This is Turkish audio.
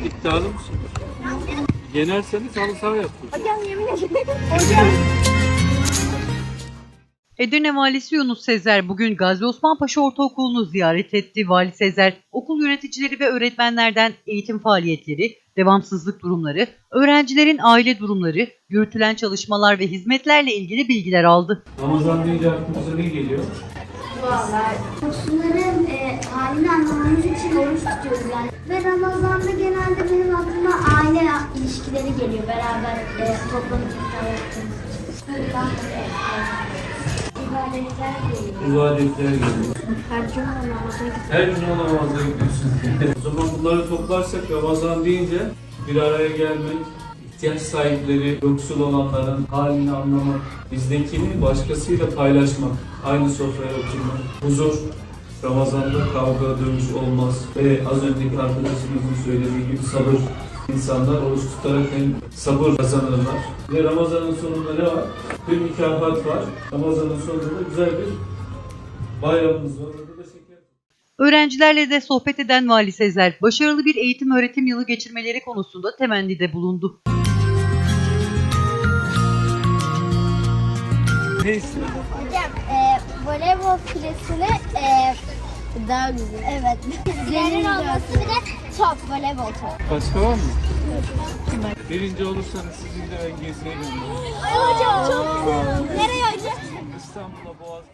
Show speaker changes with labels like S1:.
S1: İddialı mısın? Yenerseniz halı saha yapıyoruz.
S2: Hocam yemin ederim. Hocam.
S3: Edirne Valisi Yunus Sezer bugün Gazi Osman Paşa Ortaokulu'nu ziyaret etti. Vali Sezer, okul yöneticileri ve öğretmenlerden eğitim faaliyetleri, devamsızlık durumları, öğrencilerin aile durumları, yürütülen çalışmalar ve hizmetlerle ilgili bilgiler aldı.
S1: Ramazan deyince aklımıza ne geliyor?
S2: Vallahi Müslümanların halini anlamamız için oruç tutuyoruz yani. Ve Ramazan'da genelde benim aklıma aile ilişkileri geliyor. Beraber toplanıp iftar yaptığımız için. İbadetler geliyor.
S1: İbadetler geliyor.
S2: Her cuma namaza gidiyoruz.
S1: Her gün o namaza gidiyorsun. O zaman bunları toplarsak Ramazan deyince bir araya gelmek, ihtiyaç sahipleri, yoksul olanların halini anlamak, bizdekini başkasıyla paylaşmak, aynı sofraya oturmak, huzur, Ramazan'da kavga, dövüş olmaz ve az önceki arkadaşımızın söylediği gibi sabır. İnsanlar oruç tutarak hem sabır kazanırlar. Ve Ramazan'ın sonunda ne var? Bir mükafat var. Ramazan'ın sonunda da güzel bir bayramımız var. Orada da şeker.
S3: Öğrencilerle de sohbet eden Vali Sezer, başarılı bir eğitim öğretim yılı geçirmeleri konusunda temennide bulundu.
S1: Ne istiyorsun?
S2: Hocam voleybol filesini daha güzel. Evet. Filelerin olması bir de top, voleybol top.
S1: Başka var mı? Birinci olursanız sizin de ben geziye gönderirim.
S2: Hocam çok güzel. Nereye hocam?
S1: İstanbul'a Boğaz.